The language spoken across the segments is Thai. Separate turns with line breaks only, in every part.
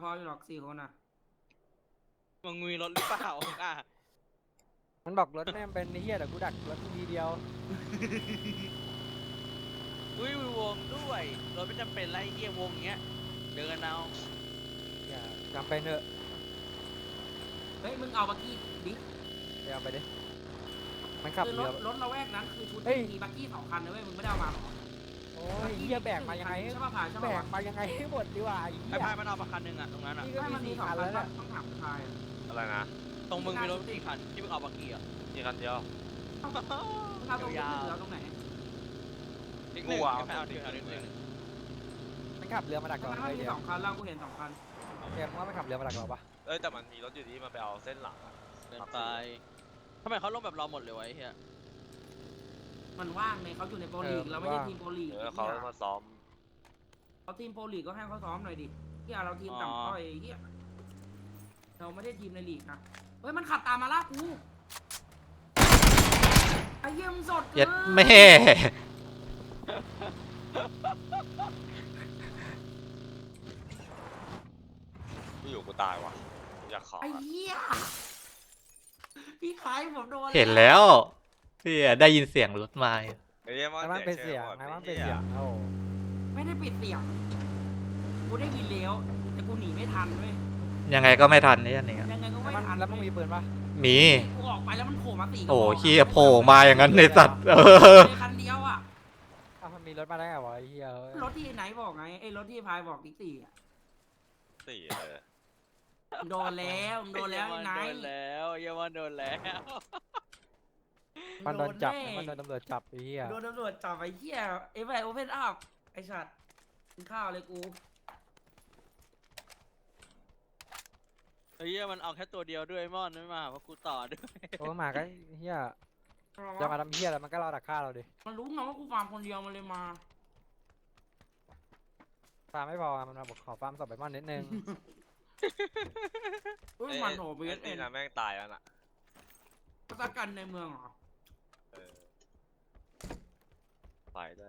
ออยู่หรอก4 คนอ่ะ
มึงมีรถหรือเปล่าอ่ะ
มันบอกรถแม่งเป็นเฮียแต่กูดักรถทีเดียว
อุ้ยวงด้วยรถไม่จำเป็นไรเฮียวงเงี้ยเดินเอา
อย่าจำเป็นเถอะ
เฮ้ยมึงเอาบักกี้ดิ
ไปเอาไปดิมันขับ
คือร
เรือ
ถละแวกนั้นคือชุด
เฮ้ย
มีบักกี้2 คันนะเว้ยมึงไม่ได้เอามาหรอ
โอ้ยเฮียแบกมายังไง
ใช่ป่ะพายใช่
แบ
ป่ะ
กมายังไงให้หมดดีกว่าไอ้เฮี
ไอ้
ย
พายมันเอามาคันหนึ่งอ่ะตรงนั้นอ่ะ
นี่ก็
ไม่
มี
มันมี
สี่
2
คั
คั
น
น
แล้ว
ป่ะ
เนี่ย
ต้องถามพายอะ
อะไรนะ
ตรงมึงมีรถกี่คันที่มึงเอาบักกี้อ่ะ
มีคันเดียว
ถ้าตรงนี้เหลือตรงไหน
นิดหนึ่ง
กูเอา
ไม่เอานิดหนึ่ง
มันขับเรือมาดัก
ทำ
ก่อน
ไมมัน
เลย
มี
เดี๋ยว
2 คันแล้วกูเห็น2 คัน
เกมว่ามันขับเรือมาดักเราปะ
เอ้ยแต่มันมีรถอยู่ที่มันไปเอาเส้นหลังอะ
เดินไปทำไมเขาลงแบบเราหมดเลยวะไอ้เฮีย
มันว่างไงเขาอยู่ในโปรลีกเราไม่ใช่ทีมโปรลีก
เขามาซ้อม
เขาทีมโปรลีกก็ให้เขาซ้อมหน่อยดิที่เราทีมต่ำต้อยเฮียเราไม่ได้ทีมในลีกนะเฮ้ยมันขับตามมาล่ากูไอ้เยี่ยมสดเกิ
เย็ด
น
แม่
กูอยู่กูตายว่ะกูอยากขอ
ไอ้เหี้ยพี่ขายผมโดน
เห็นแล้วพี่ได้ยินเสียงรถมา
ไอ้เหี้ย
ไอ้มันเป็นเสียงไอ้มันเป็นเสียงโอ้
ไม่ได้ปิดเสียงกูได้ยินแล้วแต่กูหนีไม่ทันเว้ย
ยังไงก็ไม่ทันนี่อันนี้
ยังไงก็ไม่
มัน
ทัน
แล้วมึงมีปืนปะ
มี
กูออกไปแล้วมันโผล่มา4 กระ
โอ้
บอก
เฮียโผล่มาอย่างนั้นในสัตว์
ในคันเดียวอ่ะ
อ้าวมันมีรถมาได้ไงวะไอ้เฮียเฮ้ย
รถที่ไหนบอกไงไอ้รถที่พายบอกติ๊กสี่อ่ะ
สี่เลย
โดนแล้วโดนแล้วไอ้ไหน
โดนแล้วเยาวันโดนแล้ว
มันโดนจับ
แ
มันโดนตำรวจจับไอ้เฮีย
โดนตำรวจจับไอ้เหี้ยไอ้แบบโอเพนอัพไอ้สัตว์กินข้าวเลยกู
ไอ้เฮียมันเอาแค่ตัวเดียวด้วยมอนไม่มาเพราะกูต่อด้วย
โอ้มาก็เฮียจะมาทำเฮียแล้วมันก็รอดักฆ่าเราดิ
มันรู้ไงว่ากูฟาร์มคนเดียวมันเลยมา
ฟาร์มไม่พอมันมาบอกขอฟาร์มศพไปมอนนิดนึง
เฮ้ยมันโหเบส
ไอ้
เอ็น
นะแม่งตายแล้วน่ะ
ประกันในเมืองเหรอ
เออไปได้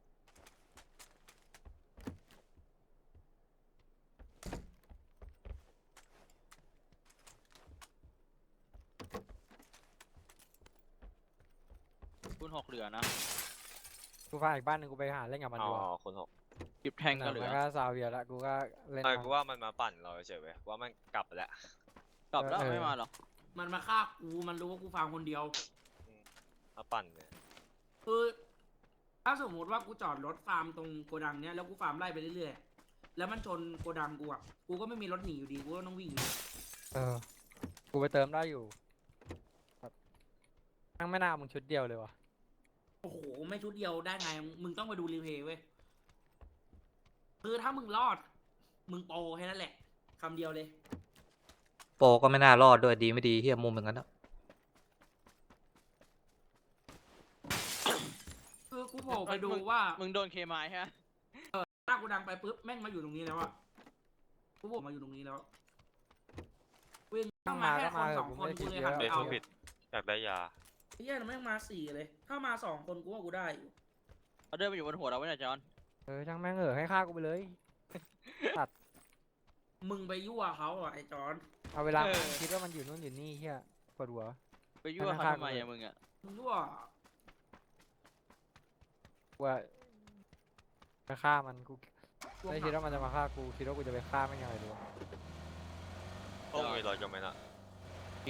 คุณ6เหลือนะ
กูฟาร์มอีกบ้านหนึงกูไปหาเล่นกับมัน
อ๋
ดีกว่า
อคนหก
หยิบแทงก็เหลือ
มันก็ซาเวียแล้วกูก็เล่น
ไอ้กูว่ามันมาปั่นเราเฉยเว้ยว่ามันกลับไปแล้ว
กลับแล้วไม่มาหรอก
มันมาฆ่ากูมันรู้ว่ากูฟาร์มคนเดียว
มาปั่นเนี่ย
คือถ้าสมมติว่ากูจอดรถฟาร์มตรงโกดังเนี้ยแล้วกูฟาร์มไล่ไปเรื่อยๆแล้วมันชนโกดังกูอ่ะกูก็ไม่มีรถหนีอยู่ดีกูก็ต้องวิ่งอยู่
เออกูไปเติมได้อยู่แบบทั้งไม่น่ามึงชุดเดียวเลยวะ
โอ้โหไม่ชุดเดียวได้ไงมึงต้องไปดูรีเพลย์เว้ยคือถ้ามึงรอด มึงโปรแค่นั้นแหละคำเดียวเลย
โปรก็ไม่น่ารอดด้วยดีไม่ดีเฮียมุมเหมือนกันนะ
คือกูโผล่ไปดูว่า
มึงโดนเคมายใช่ไหม
หน้ากูดังไปปุ๊บแม่งมาอยู่ตรงนี้แล้วอะกูโผล่มาอยู่ตรงนี้แล้ววิ่งเข้ามาแค่คน2 คนกูเลยหันไป
เด็ก
เอา
ผู้ผิดอยากได้ยา
ไอ้เหี้ยแม่งมา4 เลย ถ้ามา2 คนกูว่ากูได้อยู่
เขาเดินมาอยู่บนหัวเราไว้เนี่ยจอน
เออช่างแม่งให้ฆ่ากูไปเลย
มึงไปยั่วเขาอ่ะไอ้จอน
เอาเวลาคิดว่ามันอยู่นู่นอยู่นี่เฮียปวดหัว
ไปยั่วเขาทำไมอะมึงอะ
มึงยั่ว
กูว่าจะฆ่ามันกูไม่คิดว่ามันจะมาฆ่ากูคิดว่ากูจะไปฆ่ามันยังไงดีวะ
พวกมีรถกันไหมน่ะ
มี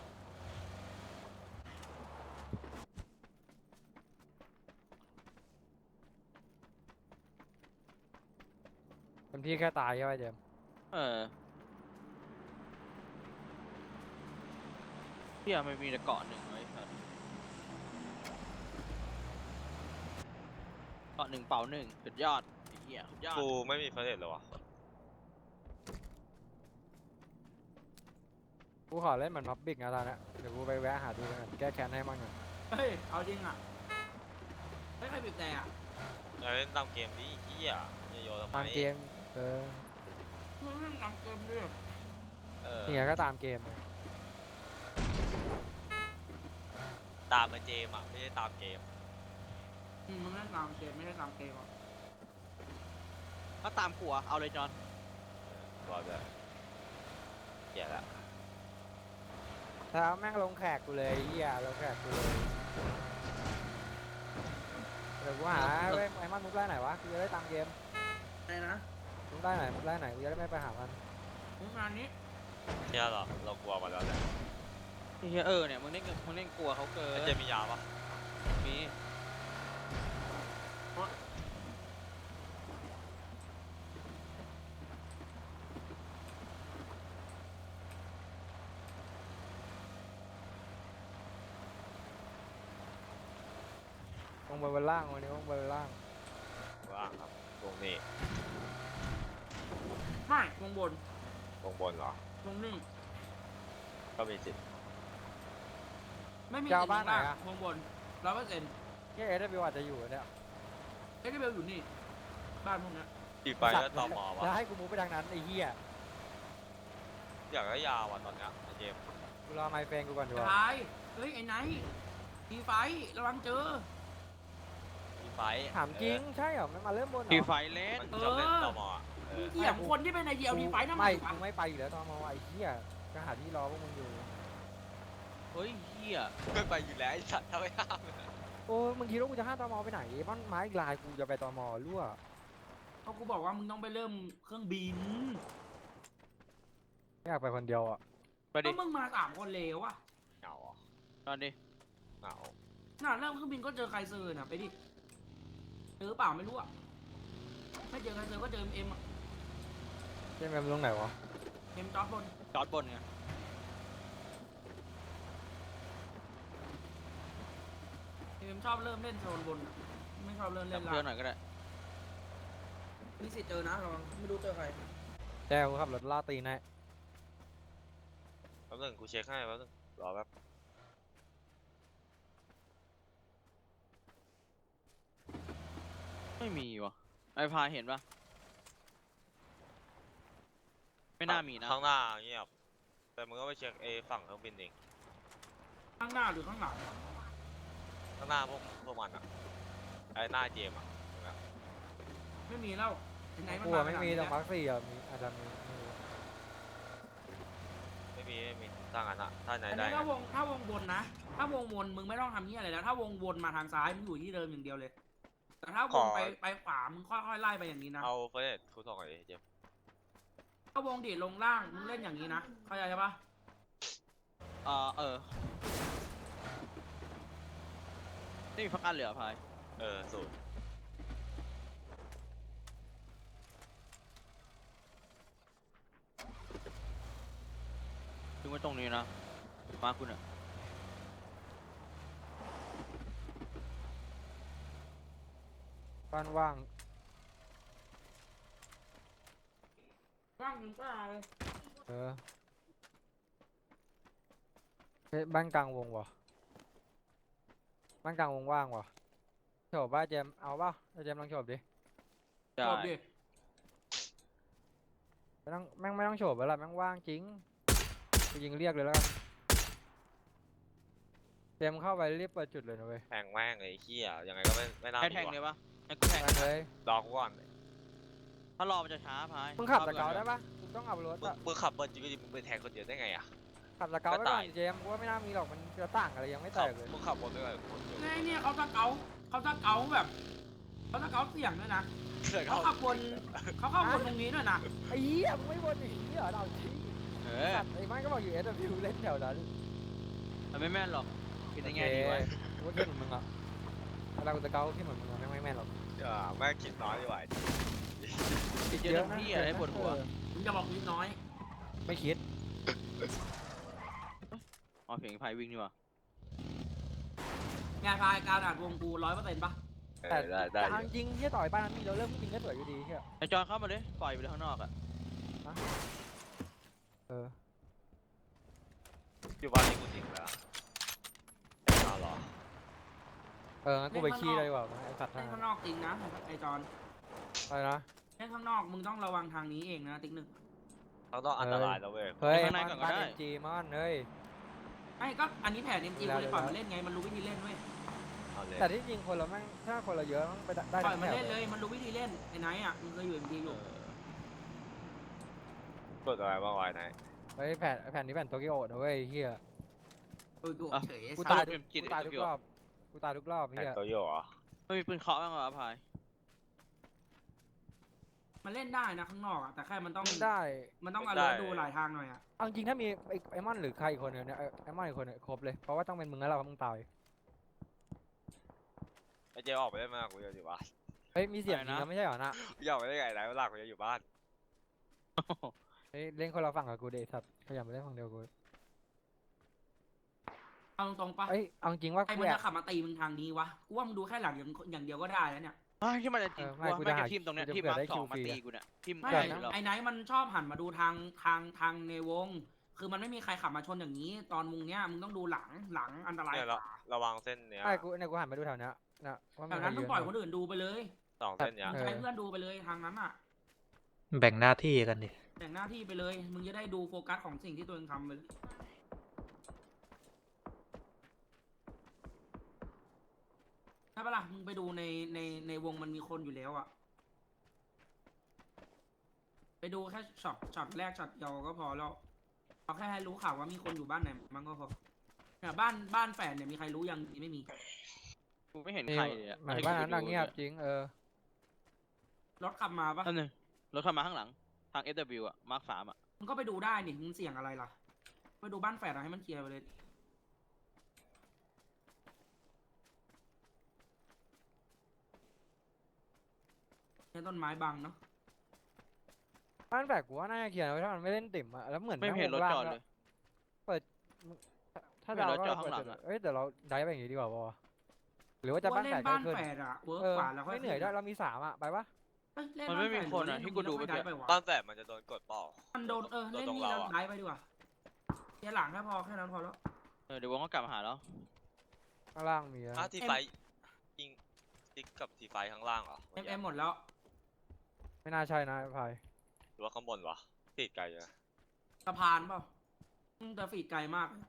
เต็มที่แค่ตายใช่ไหมเจมส์
เออเฮียไม่มีแต่เกาะหนึ่งไว้ครับเกาะ1เป่า1สุดยอดไอ้เฮียสุดยอด
กูไม่มีเฟรนเลยวะ
กูขอเล่นเหมือนพับบิกนะตอนนี้เดี๋ยวกูไปแวะหาดูกันแก้แค้นให้มั่งหน่อย
เฮ้ยเอาจริงอ่ะไม่ใครบีบแต่อ่ะ
เราเล่นตามเกมดิเฮียอย่าโยนทำไม
ตามเกมเออ
มึงเล่นตามเกมด้วย
เออ
นี่ไงก็ตามเกม
ตามมาเจมอ่ะไม่ใช่ตามเกม
มึงเล่นตามเกมไม่ใช่ตามเกมอ่ะ
ก็ตามขัวเอาเลยจอน
รอด้วย
แล้วแม่งลงแขกกูเลยไอ้เหี้ยลงแขกกูเลยเดี๋ยวกูหาเว้ยไอ้มันมุกได้ไหนวะกูจะได้ตามเกม
อะไรนะ
มุกได้ไหนมุกได้ไหนกูจะได้ไม่ไปหามัน
มึงงานนี้
เนี่ยเหรอเรากลัวมาแล้วแหละ
ไอ้เหี้ยเนี่ยมึงเล่นกลัวเขาเกิน
ไอ้เจมียาปะ
มี
ลงไปบนล่างวันนี้ลงไปบนล่าง
ว่างครับตรงนี้
ไม่วงบน
ตรงบนเหรอ
วงนี่
ก็มีสิทธิ์
ไม่มี
จะเอาบ้านไหนอะ
วงบน100%
เนี่ยเอสอาจจะอยู่เนี่ย
เอ็กซ์เบลอยู่นี่บ้านพวกเนี้ย
อีกไปแล้วตอมอวะ
แล้วให้กูมูฟไปทางนั้นไอ้เหี้ย
อยากได้ยาว่ะตอนเนี้ยไอ้เจม
กูรอไมเฟนกูก่อนดีกว่า
ตายเฮ้ยไอ้ไนท์ตีไฟระวังเจอ
มีไฟ
ถามจริงใช่เหรอมันมาเริ่มบนเหร
ที
อ
ไฟเล่น
มันชอบเล่นตอมออะเออ
เกี่ยมคนที่เป็นไอเดียตีไฟทำไม
ไม่
วะ
กูไม่ไปอยู่แล้วตอนมไอ้เหี้ยจะหาที่รอพวกมึงอยู่
เฮ้ยเหี้ย
ไม่ไปอยู่แล้วไอ้สัตว์ถ้าไม่ห้าม
โอ้มึงคิดว่ากูจะห้ามตมไปไหนบ้านไม้อีกลายกูจะไปตมรั่ว
เพราะกูบอกว่ามึงต้องไปเริ่มเครื่องบิน
ไม่อยากไปคนเดียวอ่ะ
ไปดิ
ก็มึงมา3 คนเลวอะ
เหงาอ่ะ
ตอนดิ
เหงา
น่ะเริ่มเครื่องบินก็เจอใครเซอร์น่ะไปดิเจอเปล่าไม่รู้อะไม่เจอใครเซอร์ก็เจอเอ็ม
เจ๊แมมลงไหนวะ
เอ็มจอร์ดบน
จอดบนไง
เอ็มชอบเริ่มเล่นโซนบนอะไม่ชอบเริ่ม
จั
เล่
บ
น
เพื่อนห
ล่าง
น่อยก็ได้
มีสิทธิ์เจอนะระวังไม่รู้เจอใคร
แจ้กูขับรถล่าตีนให้
แป๊บนึงกูเช็คให้แป๊บนึงรอแป๊บ
ไม่มีวะไอ้พายเห็นปะไม่น่ามีนะ
ข้างหน้าเงียบแต่มึงก็ไปเช็คฝั่งเครื่องบินเอง
ข้างหน้าหรือข้างหลัง
ข้างหน้าพวกมันอ่ะไอ้หน้าเจมอ่ะ
ไม่มีแล้วไหนๆมัน
กู
มา
อะไม่มี
ข
ตร
นาด
ง
นี้
มาร์คสี่อ่ะมีอาจจะมีไม่รู้
ไม่มีถ้างั้นอ่ะถ้าไหน
อัน
ได้
นี้ถ้าวงบนนะ ถ้าวงบนมึงไม่ต้องทำนี่อะไรแล้ว ถ้าวงวนมาทางซ้ายมึงอยู่ที่เดิมอย่างเดียวเลย แต่ถ้าวงไปขวามึงค่อยๆไล่ไปอย่างนี้นะ
เอาเฟรนคูทองไอ้เจม
ถ้าวงดีดลงล่างมึงเล่นอย่างนี้นะเข้าใจใช่ปะ
นี่มีพักอันเหลือพาย
สูตร
ถึงไว้ตรงนี้นะมาคุณอะ
บ้านว่าง
ว่างมึงก็เอา
เออเฮ้ยบ้านกลางวงวะบ้านกลางวงว่างวะโฉบบ้าเจมเอาเปล่าเจมลองโฉบดิ
ได้
จบดิ
ไม่ต้องแม่งไม่ต้องโฉบแล้วล่ะแม่งว่างจริงกูยิงเรียกเลยแล้วกันเจมเข้าไปรีบเปิดจุดเลยนะเว้ย
แทงแม่งไอ้เหี้ยยังไงก็ไม่น่า
ให้
มี
แทงเล
ว่ะ
ยปะให้กูแทง
ไปเลย
รอกูก่อน
ถ้ารอมันจะช้าพาย
มึงขับสเกาได้ปะมึงต้องขับรถ
มึง
อะ
มึงขับเบิร์นจริงๆมึงไปแทงคนเดียวได้ไงอ่ะ
ขับสเกา
ก็
ไว้ก่อ
ตาน ย
เจมกูว่าไม่น่ามีหรอกมันจะต่างอะไรยังไม่แต
ขับ
กเลย
มึงขับบนไปเลยคนเดียว
เนี่ยเขาตะเกาแบบเขาตะเกาเสียงด้วยนะเขาขับบนเขาเข้าบนตรงนี้ด้วยนะ
ไอ้เหี้ยมึงไม่บนอย่างนี้เหรอเราชี้
เออ
สัตว์ไอ้ไม้ก็บอกอยู่ SW เล่นแถวนั้น
มันไม่แม่นหรอกคิดได้ไงดีวะ
กูว่าคิดเหมือนมึงอ่ะเวลากูจะเกาคิดเหมือนมึงอะไม่แม่นหรอก
แม่งคิดน้อยดีกว่า
คิดเยอะเต็มที่อะไรปวดหัว
มึงจะบอกนิดน้อย
ไม่คิด
อ๋อเพียงพายวิ่งนี่วะ
งานพายการอ่านวงกู100%ปะ
แต่
ได้
แต่เอาจริงที่ต่อยบ้านนั้นมีเราเริ่มจริงก็สวยอยู่ดีเชียว
ไอจอนเข้ามาเลยปล่อยไปเลยข้างนอกอะ
เออ
อยู่บ้านนี้กูจริงแล้วเอาหรอ
เอองั้นกูไปขี้เลยดีกว่าไอ้สัตว์
เล่น
นั่น
ข้าง
น่ะ
นอกจริงนะไอจอน
อะไรนะ
เล่นข้างนอกมึงต้องระวังทางนี้เองนะติ๊กหนึ่ง
ต้องอันตรายแล้วเว้ย
เฮ้ยมันบ้าน MG มันเฮ้ย
ไอ้ก็อันนี้แผน MG กูเลยปล่อยมาเล่นไงมันรู้วิธีเล่นเว้ย
เอาเลย
แต่ที่จริงคนเราแม่งถ้าคนเราเยอะมันไปได้
ปล่อย
ทั้ง
มา
แถว
เล่นเลยมันรู้วิธีเล่นไอ้ไนท์อ่ะมึงเคยอยู่ MG อยู่
กดอะไรบ้างวะไหน
เฮ้ยแผ่นนี้แผ่นโตเกียวนะเว้ยเฮีย
โอ้ยกูเฉย
กู
สั
ตาย
ตว์
ทุกกูตายทุกรอบกูตายทุกรอบ
แต่
เฮีย
ตัวโยเหรอ
ไม่มีปืนเคาะบ้างเหรอพาย
มันเล่นได้นะข้างนอกอะแต่แค่มันต้อง
ได้
มันต้องalertดูหลายทางหน่อยอะ
เอาจริงถ้ามีไอ้มอนหรือใครอีกคนเนี่ยไอ้มอนอีกคนเนี่ยครบเลยเพราะว่าต้องเป็นมึงแล้วเราเพราะมึงตาย
ไอเจมออกไปได้ไหมกูจะอยู่บ้าน
เฮ้ยมีเสียงจริงแล้วไม่ใช่เหรอนะ
กูอยากไปได้ไงไหนเวลากูจะอยู่บ้าน
เฮ้ยเล่นคนละฝั่งกับกูเดชสัตว์ขยันไปเล่นฝั่งเดียวกู
เอาตรงๆปะ
เอ้ยเอาจริงว่า
ใคร
กู
มัน
อยา
จะ
ก
ขับมาตีมึงทางนี้วะกูว่ามึงดูแค่หลังอย่างเดียวก็ได้แล้วเนี่ย
ที่มันจะจริง
ไม่
ว่า
กู
ไม่
จะหา
จะทีมตรงเนี้ย
กูจะ
ทีม
เผื่อ
มา
ได้
ร์คสอง
คิว
มา
ฟรี
ตี
อะ
กูเนี่ยทีม
ไม่
เกิด
ใกล้
นะ
อยู่แล้ว
ไอ้ไนท์มันชอบหันมาดูทางในวง คือมันไม่มีใครขับมาชนอย่างนี้ ตอนมึงเนี้ยมึงต้องดูหลังอันตราย
เนี่ย
กว่า
ระวังเส้นเนี้ย
ไม่กูเนี่ยกูหันไปดูแถวเนี้ยนะว่า
แบ
มัน
บนั้น
ใคร
ต้
ยื
อง
น
ปล่อย
อ
คนอื่นดูไปเลย
สองเส้นเนี้ย
เออ
ใช้เพื่อนดูไปเลยทางนั้นอ่ะ
แบ่งหน้าที่กันดิ
แบ่งหน้าที่ไปเลย มึงจะได้ดูโฟกัสของสิ่งที่ตัวเองทำไปเลยใช่ปะล่ะมึงไปดูในวงมันมีคนอยู่แล้วอ่ะไปดูแค่ช็อตแรกช็อตเดียวก็พอแล้วเอาแค่ให้รู้ข่าวว่ามีคนอยู่บ้านไหนมันก็พอเนี่ยบ้านแฝดเนี่ยมีใครรู้ยังไม่มี
กูไม่เห็น
นี่
ใครเลยอะ
หมายบ้านนั้นนะเงียบจริง
รถขับมาปะ
อันนึงรถเข้ามาข้างหลังทาง SW อ่ะมาร์ค3อ่ะ
มึงก็ไปดูได้นี่มึงเสี่ยงอะไรล่ะไปดูบ้านแฝดอะให้มันเคลียร์ไปเลยเนี่ยต้นไม้บังเนาะ
บ้านแฝกกูว่าน่าจะเคลียร์ไว้ถ้ามันไม่เล่นติ่มอะแล้วเหมือน
ไม่เห็นรถจอดเลย
ถ้า
ไม่เห็น
ดาว
รถ
ก็
จอด
เปิ
ข้างหลั
ด
งอะ
เอ้ยเดี๋ยวเราได้ไปอย่างงี้ดีกว่าปะวะหรือว่าจะ
กู
บ้าน
เล่
แฝ
น
ด
บ้าน
ขึ้น
แฝดอะเวิร์ก
เออก
ว่าแล้วค่อย
ไม่เหนื่อยด้วยเรามี3อะไปปะ
เอ้ยเล่น
มันไม่มี
บ้าแฝด
คนอะ
เล่
ที่กูดู
ไม่
เมื่อกี้
ได้ไปวะ
ตอนแสบมันจะโดนกดเปล่า
มันโดนเล่น
ตรง
นี่
เรา
แล้ว
อะ
ได้ไปดีกว่าเคลียร์หลังแค่พอแค่นั้นพอแล้ว
เดี๋ยววงก็กลับมาหาแล้ว
ข้างล่างมีนะ
ทีไฟยิงติ๊กกับทีไฟข้างล่างเหรอ
เอ็มหมดแล้ว
ไม่น่าใช่นะไอ้พาย
หรือว่าข้างบนวะติดไกลเลย
สะพานเปล่าแต่ฝีดไกลมากเลย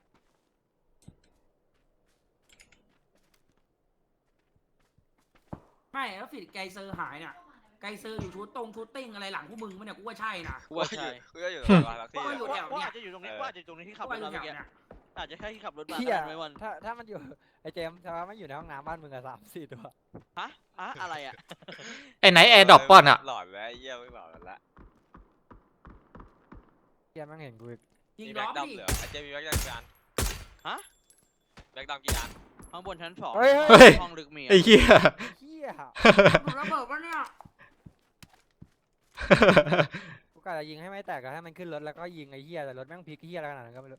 ไม่แล้วฝีดไกลเซอร์หายเนี่ยไกลเซอร์อยู่ชุดติ้งอะไรหลังพวกมึงมั้ยเนี่ยกูว่าใช่นะ
กูว่าใช่
กูจะอยู่ตรงทักซี่
ก็อยู่
อะ
แถวเนี่ย
ว่าอาจจะอยู่ตรงนี้ว่าอาจจะอยู่ตรงนี้ที่ขับ
กู
ร
ว่า
ถ
อยู่
มา
แถ
เมื่อกี้
วเนี่ย
อาจจะแค่ที่ขับรถมา
เฮีย
ก็ได้ไม่วัน
ถ้ามันอยู่ไอ้เจมส์ถ้ามันอยู่ในห้องน้ำบ้านมึงอะ3-4 ตัว
ฮะอะไรอ่ะ
ไอ้ไหนแอร์ดรอปป่อนอะ
หลอดแล้วเยี่ยไม่หลอดแล้ว
เฮียแม่งเห็นกูอีก
ยิง
มี
ล้
แบ็
อก
ดำ
ดิ
เหลือไอเจมีแบ็กดำกี่อัน
ฮะ
แบ็กดำกี่อัน
ข้างบนชั้น2
เฮ้ย
ห้องลึกมี
ไอ้เหี้ย
เฮีย
มึงระเบิดปะเนี่ย
กูกะจะยิงให้ไม่แตกอะให้มันขึ้นรถแล้วก็ยิงไอ้เฮียแต่รถแม่งพลิกเฮียอะไรขนาดนั้นก็ไม่รู้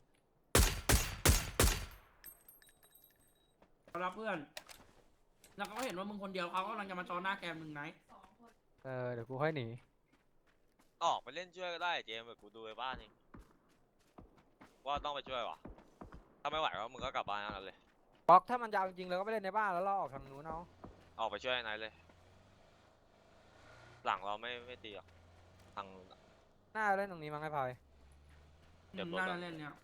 เรารับเพื่อน แล้วเขาก็เห็นว่ามึงคนเดียวเขากำลังจะมาจอหน้าแกมึงไหน
เดี๋ยวกูค่อยหนี
ออกไปเล่นช่วยก็ได้เจมแบบกูดูไปบ้านเองว่าต้องไปช่วยวะถ้าไม่ไหวก็มึงก็กลับบ้านนั่นเลย
ป๊อกถ้ามันจะเอาจริงๆเราก็ไปเล่นในบ้านแล้วเราออกทางนู้นเอา
ออกไปช่วยไอ้ไนท์เลย หลังเราไม่ตีหรอกทางนู้นอะ
หน้าเล่นตรงนี้มั้งไอ้พาย
เดี๋ยวรถ
น่า
อะ
เล่นเนี่ย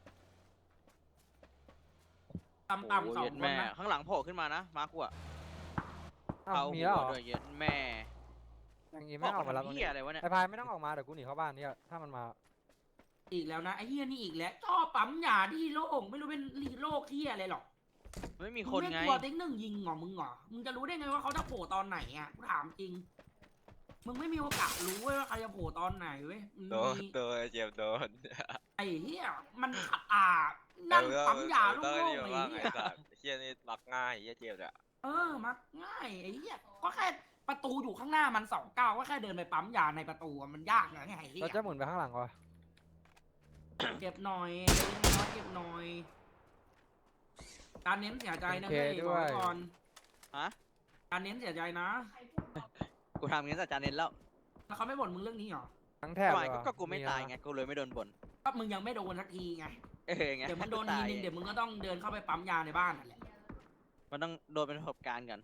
โอ้
ต่ำๆสอง
เย็ด
คน
แม่
นะ
ข้างหลังโผล่ขึ้นมานะมาร์คกูอ่ะ
อ้าว
เอา
มี
หั
แล้วเหร
ว
อ
ด้วยเย็ดแม่
อย่างงี้ไม่ออกมารับตรง
เฮี
นี้
ยอะไรวะเนี่ย
ไอ้พายไม่ต้องออกมาเดี๋ยวกูหนีเข้าบ้านเนี่ยถ้ามันมา
อีกแล้วนะไอ้เฮียนี่อีกแล้วชอบปั๊มยาที่โล่งไม่รู้เป็นโรคเฮียอะไรหรอก
ไม่มี
มึ
คน
ไม่
ไง
กลัวติ๊กหนึ่งยิงเหรอมึงเหรอมึงจะรู้ได้ไงว่าเขาจะโผล่ตอนไหนอ่ะกูถามจริง มึงไม่มีโอกาสรู้เว้ยว่าใครจะโผล่ตอนไหนเว้ยมึง
โดน
มี
โดนไอ้เจมโดน
ไอ้เฮียมันขัดนั่งปั๊มยาโล่
ต้อง
ง
นี่
ๆ
มา
ไอ้
บ้าง
เฮี
ไอ้
ย
สัตว์เฮียนี่รักง่ายเฮียเจมเนี่ย
มักง่ายไอ้เหี้ยก็แค่ประตูอยู่ข้างหน้ามัน2 ก้าวก็แค่เดินไปปั๊มยาในประตูอะมันยากนะไงไอ้เหี้
เรา
ย
จะหมุนไปข้างหลังวะ
เก็บหน่อยเล็กน้อยเก็บหน่อย การเน้นเสียใจนะเฮ้ยบอกไว้ก่อน
ฮะ
การเน้นเสียใจนะ
กูทำงั้นสัจจาเน้นแล้ว
แล้วเขาไม่บ่นมึงเรื่องนี้หรอ
ทั้งแถบ
ทำไม
เลยวะ
ก็กูไม่ตาย
นะ
ไงกูเลยไม่โดนบ่น
ก็มึงยังไม่โดนสักทีไง
ไง
เดี๋ยวมึงโดนทีนึงเดี๋ยวมึงก็ต้องเดินเข้าไปปั๊มยาในบ้านนั่นแหละ
มันต้องโดนเป็นประสบการณ์กัน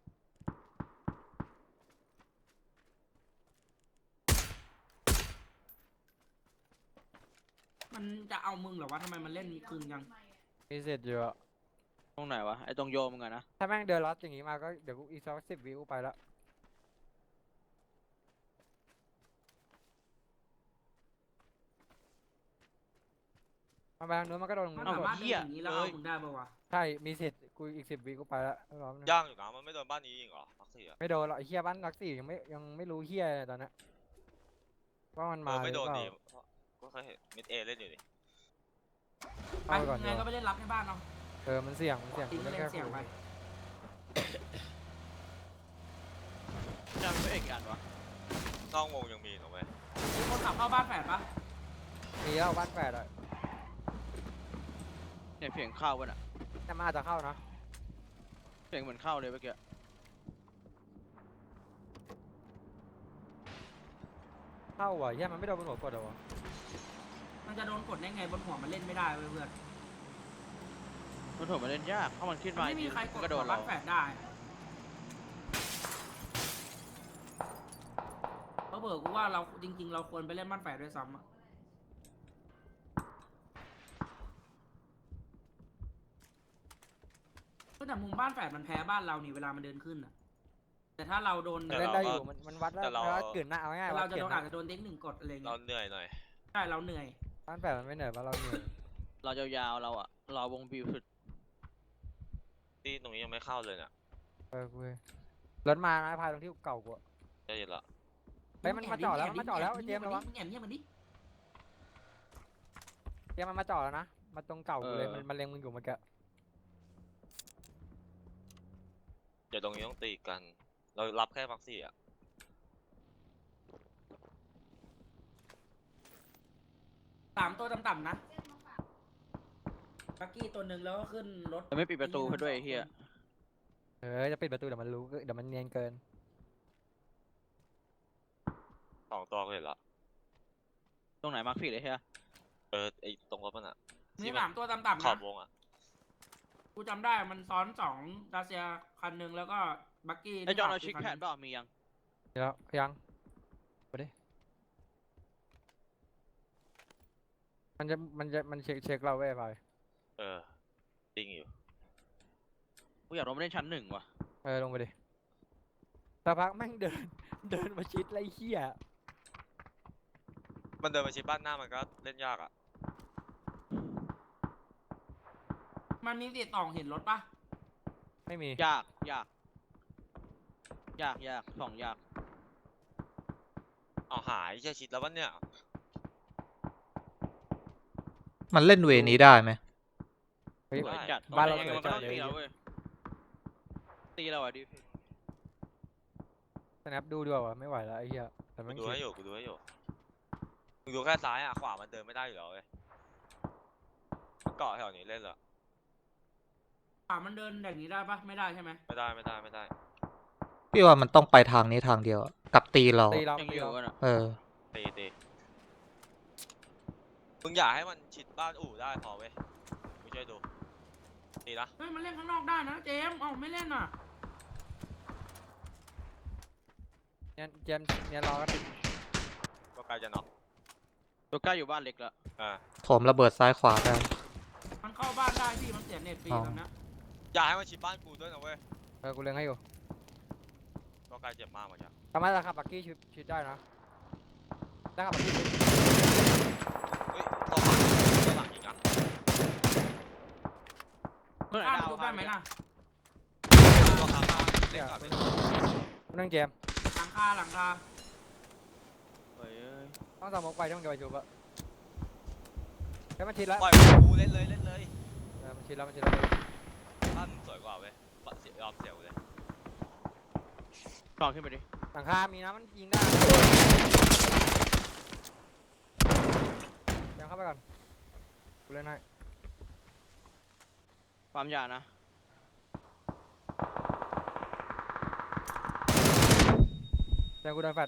มันจะเอามึงเหรอวะทำไมมันเล่นคืนยัง
มีเสร็จเยอะ
ตรงไหนวะไอ้ตรงโยมมึงอะนะ
ถ้าแม่งเดินลัดอย่างงี้มาก็เดี๋ยวกูอีกสัก10 วิกูไปละมันไปทางนู้นมันก็โดนตรง
มัน
นู้น
สา
หมด
มารถเดินอย่างนี้แล้วเอามึงได้ปะวะ
ใช่มีสิทธิ์กูอีก10 วิกูไปละรอบนึง
ย่างอยู่นะมันไม่โดนบ้านนี้ยิงเหรอพักสี่อะ
ไม่โดนหรอกไอ้เฮียบ้านรักสี่ยังไม่รู้เฮียเลยตอนนั้นว่ามันมา
ไม่โดน
หรือ
ดี
เปล่า
ก็เคยเห็นมิดเอเล่นอยู่ดิ
ไป
เอาไปก่อน
ยังไง
ดีก
ก็
ว่า
ไปเล่นรับในบ้านเนาะ
มันเสี่ยงกู
ทิ้ง
เล่น
เล่
แค่
นเสี่ยง
ขู่
ไป
จำไม่เอกกันวะ
นอกวงยังมีถูกไหม
มีคนขับเข้าบ้านแฝดปะ
มีแล้วบ้านแปดอ่ะ
เนี่ยเสียงเข้าป่ะน่ะ
แต่มาอาจจะเข้านะ
เสียงเหมือนเข้าเลยเมื่อกี้
เข้าว่ะเฮียมันไม่โดนบนหัวกดเหรอวะ
มันจะโดนกดได้ไงบนหัวมันเล่นไม่ได้เว้ยเพื่อน
มันถูกมาเล่นยากเพราะมันขึ้น
มัน
มา
ไม่มีใครกด
กระโด
หั
ด
ว
เรา
บ้านแฝดได้เพราะเบิกกูว่าเราจริงๆ เราควรไปเล่นบ้านแฝดด้วยซ้ำอะแต่มุมบ้านแฝดมันแพ้บ้านเรานี่เวลามันเดินขึ้นอะแต่ถ้าเราโดน
มันเล่นได้อยู่มันวัดแล้วมันวัดเกินหน้าเอาง่ายๆ
เรา
วัด
จะ
เกิ
โด
น
น
หน้า
อาจจะโดนเด็กหนึ่งกดอะไร
เรา
เงี้ย
เหนื่อยหน่อย
ใช่เราเหนื่อย
บ้านแปดมันไม่เหนื่อยบ้านเราเหนื่อย
เรายาวๆเราอะรอวงบิวสุด
ที่ตรงนี้ยังไม่เข้าเลยเนี่ย
กูรถมานะพายตรงที่เก่ากูอะ
จะเย็นละ
เฮ้ยมันมาจอดแล้วมันมาจอดแล้วไอ้เจมส์ระวัง
แอบเงียบมันดิ
เจมส์มันมาจอดแล้วนะมาตรงเก่ากูเลยมันเล็งมึงอยู่เมื่อกี้
เดี๋ยวตรงนี้ต้องตีกัน เรารับแค่พักสี่อะ
3 ตัวต่ำๆนะบักกี้ตัวหนึ่งแล้วก็ขึ้นรถ
แต่ไม่ปิดประตูให้ด้วยไอ้เฮีย
จะปิดประตูเดี๋ยวมันรู้เดี๋ยวมันเนียนเกิน
2 ตัวก็เห็นละ
ตรงไหนมาร์คผิดเลยเฮีย
ไอตรงรถมันอะ
มี
ที่มัน
3 ตัวต่ำๆ
ขอ
นะ
บวงอะ
กูจำได้มันซ้อน2ดาเซียคันหนึ่งแล้วก็บักกี้
ไอจอนเราเช็คแผนเปล่ามียัง
เดี๋ยวยังไปดิมันเช็คเราไว้ไป
จริงอยู่
กูอยากลงไปเล่นชั้น 1ว่ะ
ลงไปดิสักพักแม่งเดินมาชิดไรเหี้ย
มันเดินมาชิดบ้านหน้ามันก็เล่นยากอะ
มันมีติดต่อเห็นรถปะ
ไม่มี
ยากสองยาก
เอาหายแค่ชิดแล้ววันเนี่ย
มันเล่นเวนี้ได้ไหม
เฮ้ย
สวยจัด
บ้านเรา
ยังไง
สวย
มันก็
จัด
ต้อง
เลย
ตีเราเว้ยตีเราอะดิ
สแนปดูดีกว่าวะไม่ไหวแล้วไอ้เหี้ยแต่
กู
แม่ง
ดูให้อยู่มึงดูแค่ซ้ายอะขวามันเดินไม่ได้อยู่แล้วเว้ยมันเกาะแถวนี้เล่นเหรอ
มันเดินอย่างนี้ได้ปะไม่ได้ใช่ไหม
ไม่ได้
พี่ว่ามันต้องไปทางนี้ทางเดียวอะกับตีเรา
ตีเรา
ยัง
ตี
อยู่
เรา
กันอะ
ตีมึงอย่าให้มันชิดบ้านอู่ได้พอเว้ยกูช่วยดูตีนะ
เฮ้ยมันเล่นข้างนอกได้นะเจมส์เอ้าไม่เล่นอ่ะ
เนี่ยเจมส์เนี่ยรอก็ติด
ก็ใกล้จะน็อก
ตัวใกล้อยู่บ้านเล็กแล้ว
โถมระเบิดซ้ายขวาได้
มันเข้าบ้านได้พี่มันเสียเน็ตฟรี
อ๋อ
ตอนนี้
อย่าให้มันชิดบ้านกูด้วยนะเว้ย
กูเล็งให้อยู่
ก็ใกล้เจ็บมากเหมือนกัน
สามารถจะขับบักกี้ชิดได้นะได้ขับบักกี้ชิด
เฮ้ยตัวหลังอีกอ่ะ
เมื่อไหร่
ข้าม
ดาว
ทุบได้ไหมล่ะ
ตัวขามาเล่นก่อนเล่นก่อน
นั่งเจมส์
หลังคา
เฮ้ย
ต้องสมองไปต้องเดี๋ยวไปจูบอะเฮ้ยมันชิดแล้ว
ปล่อยกูเล่นเลย
มันชิดแล้ว
บ้านสวยกว่าเว้ยยอมเสียกูเลย
ลองขึ้นไปดิ
หลังคามีนะมันยิงได้ยังเข้าไปก่อนกูเล่นให้
ความยานะ
เดี๋ยวกูโดนแฟด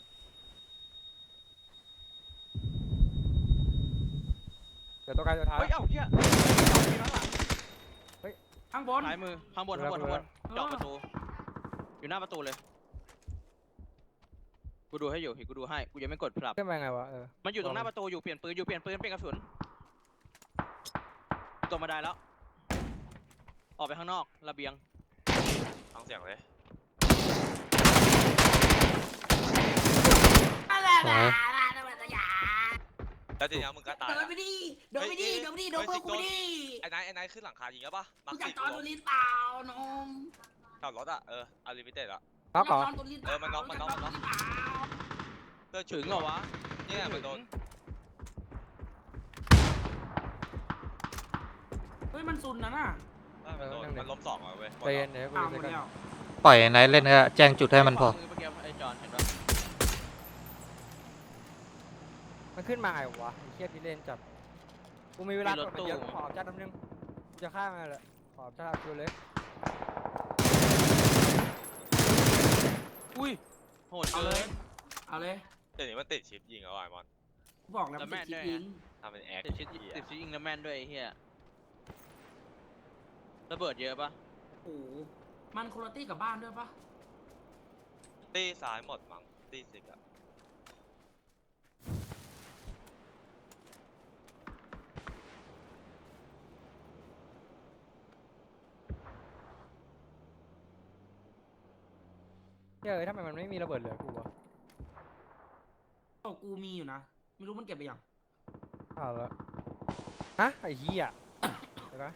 เดี๋ยวตัวไกลตัวท้าย
เฮ้ยเอ้าเฮียมีข้างหลัง
ข้างบน
ซ้ายมือข้างบนเจาะประตูอยู่หน้าประตูเลยกูดูให้อยู่กูดูให้กูยังไม่กดปรับ
ขึ้นไปไงวะ
มันอยู่ตรงหน้าประตูอยู่เปลี่ยนปืนเปลี่ยนกระสุนตัวมาได้แล้ว ออกไปข้างนอกระเบียง
ฟังเสียงเลย
สวย
แล้วทีนี้มึงก็ตาย
เดิน
ละ
ไปดิเดินไปดิเดินไปดิโดนเพื่อนกูดิ
ไอ้นายขึ้นหลังคายิงแล้วปะมา
มึง
สิ
จะจอดตัวลิ้นเปล่าน้อง
ขับรถอะอาลิมิเต็ดอะ
น็อกเหรอ
จอดตัวลิ้นเปล่า
มันน็อกมันน็อกมันน็อก เพื่อน
ถึงเหรอวะ
เนี่ยมันโดน
เฮ้ยมันซุนนะน่ะ
มันโดนมันล้มสองอะเว้ย
ใจเย็นเดี๋ยวกู
อ้าว
จะ
หมด
กัน
แล้ว
ปล่อยไหนเล่นก็แจ้งจุดให้มันพอ
เมื่อกี้ไอ้จอนเห็นปะ
มันขึ้นมาไงวะไอ้เทียพี่เล่นจับกูมีเวลากดมันเยอะขอจัดน้ำนึงกูจะฆ่ามันแหละขอจัดดูเลย
อุ้ยโหด
เอา
เกิ
เลย
น
เอาเลย
เดี๋ยวนี้มันติดชิปยิงแล้วไอ้มอน
กูบอกแล้ว
แล้ว
มัน
แม่
ติด
น
ชิป
ด้วย
ยิง
ทำเป็นแอค
ติดชิดยิงแล้วแม่นด้วยไอ้เหี้ยระเบิดเยอะปะ
โอ้โหมันคุณตี้กับบ้านด้วยปะ
ตีซ้ายหมดมั้งตีสิกอะ
เฮ้ยทำไมมันไม่มีระเบิดเหลือกูวะ
โอ้กูมีอยู่นะไม่รู้มันเก็บไปยัง
เอาละฮะไอ้เหี้ยเดี๋ยวนะ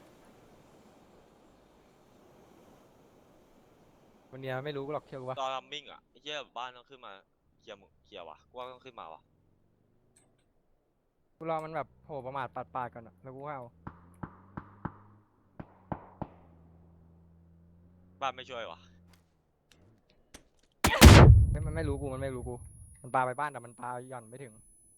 วันเนี้ยไม่รู้หรอกเชื่อกูวะ
ตอนรัมมิ่งอะไอ้เหี้ยบ้านต้องขึ้นมาเคลียร์มึงเคลียร์วะกูว่าต้องขึ้นมาวะ
กูรอมันแบบโผล่ประมาทปาดๆก่อนอะแล้วกูเอา
บ้านไม่ช่วยวะ
มันไม่รู้กูมันไม่รู้กูมันปาไปบ้านแต่มันปาหย่อนไม่ถึง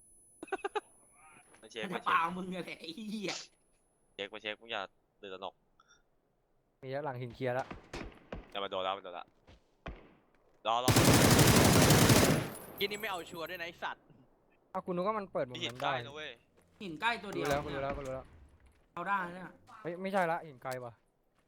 มาเช็ค
มัน
มา
จะ
เช็
เปล่า
ค
มึงอะไรไอ้เหี้ย
มาเช็คมึงอย่าตื่นตระหนก
มีแล้วหลังหินเคลียร์แล้ว
อย่ามาโดนแล้วมันโดนละรอ
กินนี่ไม่เอาชัวร์ด้วยนะไอ้สัตว์
เอากูนึกว่ามันเปิดมุม
พี่หิน
นั้น
ใกล้
ได้
นะเว้ย
หินใกล้ตัว
กู
เดียว
รู้แล้วกูรู้แล้วกูรู้แล้ว
เอาได้เนี่ย
เฮ้ยไม่ใช่ละหินไกลว่ะ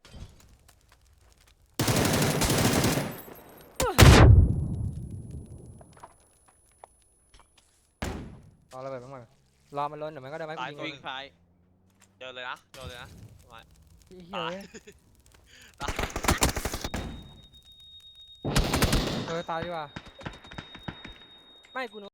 รอระเบิดมันก่อนรอมันล้นเดี๋ยวมันก็ได้ไหมกูยิง
วิ่งซ้าย
เจอเลยนะเจอเลยนะ
เฮ้ยเฮ้ยตายดีกว่าไม่กูนึก